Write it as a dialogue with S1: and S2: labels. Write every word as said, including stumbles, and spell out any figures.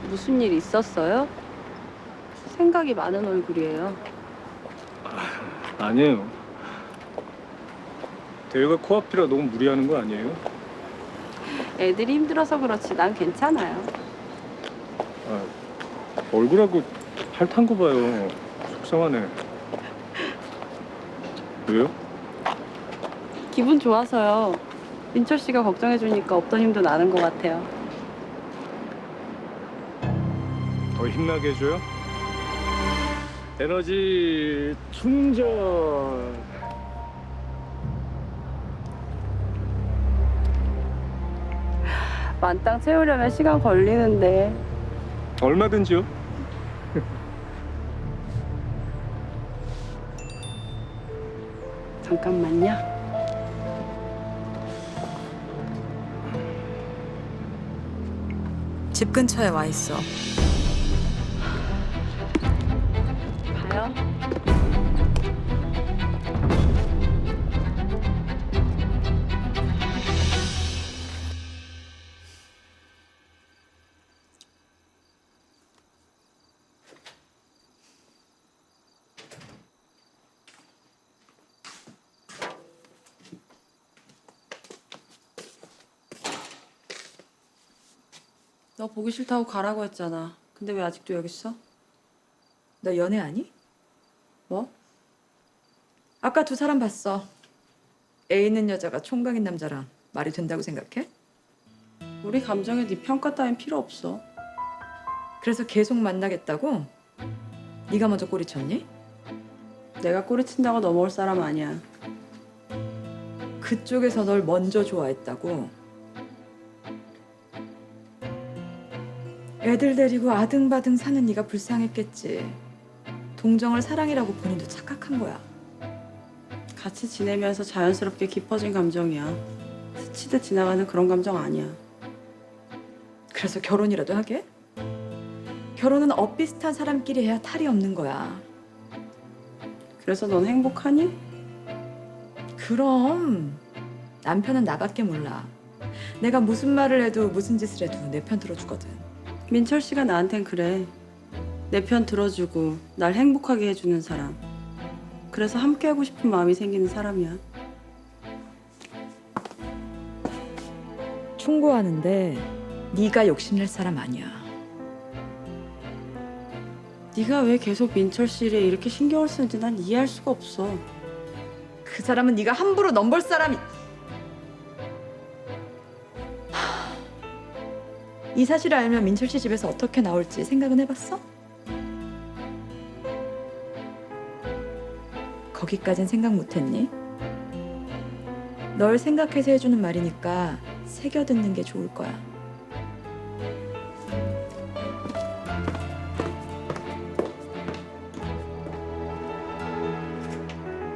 S1: 무슨 일 있었어요? 생각이 많은 얼굴이에요.
S2: 아니에요. 대회가 코앞이라 너무 무리하는 거 아니에요?
S1: 애들이 힘들어서 그렇지 난 괜찮아요.
S2: 아, 얼굴하고 팔 탄 거 봐요. 속상하네. 왜요?
S1: 기분 좋아서요. 민철 씨가 걱정해주니까 없던 힘도 나는 것 같아요.
S2: 더 힘나게 해줘요? 에너지 충전.
S1: 만땅 채우려면 시간 걸리는데.
S2: 얼마든지요.
S1: 잠깐만요.
S3: 집 근처에 와 있어.
S1: 가요? 너 보기 싫다고 가라고 했잖아. 근데 왜 아직도 여기 있어?
S3: 너 연애하니?
S1: 뭐?
S3: 아까 두 사람 봤어. 애 있는 여자가 총각인 남자랑 말이 된다고 생각해?
S1: 우리 감정에 네 평가 따윈 필요 없어.
S3: 그래서 계속 만나겠다고? 네가 먼저 꼬리쳤니?
S1: 내가 꼬리친다고 넘어올 사람 아니야.
S3: 그쪽에서 널 먼저 좋아했다고? 애들 데리고 아등바등 사는 네가 불쌍했겠지. 동정을 사랑이라고 본인도 착각한 거야.
S1: 같이 지내면서 자연스럽게 깊어진 감정이야. 스치듯 지나가는 그런 감정 아니야.
S3: 그래서 결혼이라도 하게? 결혼은 엇비슷한 사람끼리 해야 탈이 없는 거야.
S1: 그래서 넌 행복하니?
S3: 그럼 남편은 나밖에 몰라. 내가 무슨 말을 해도 무슨 짓을 해도 내 편 들어주거든.
S1: 민철 씨가 나한텐 그래. 내 편 들어주고 날 행복하게 해주는 사람. 그래서 함께하고 싶은 마음이 생기는 사람이야.
S3: 충고하는데 네가 욕심낼 사람 아니야.
S1: 네가 왜 계속 민철 씨를 이렇게 신경을 쓰는지 난 이해할 수가 없어.
S3: 그 사람은 네가 함부로 넘볼 사람이. 하, 이 사실을 알면 민철 씨 집에서 어떻게 나올지 생각은 해봤어? 거기까진 생각 못했니? 널 생각해서 해주는 말이니까 새겨 듣는 게 좋을 거야.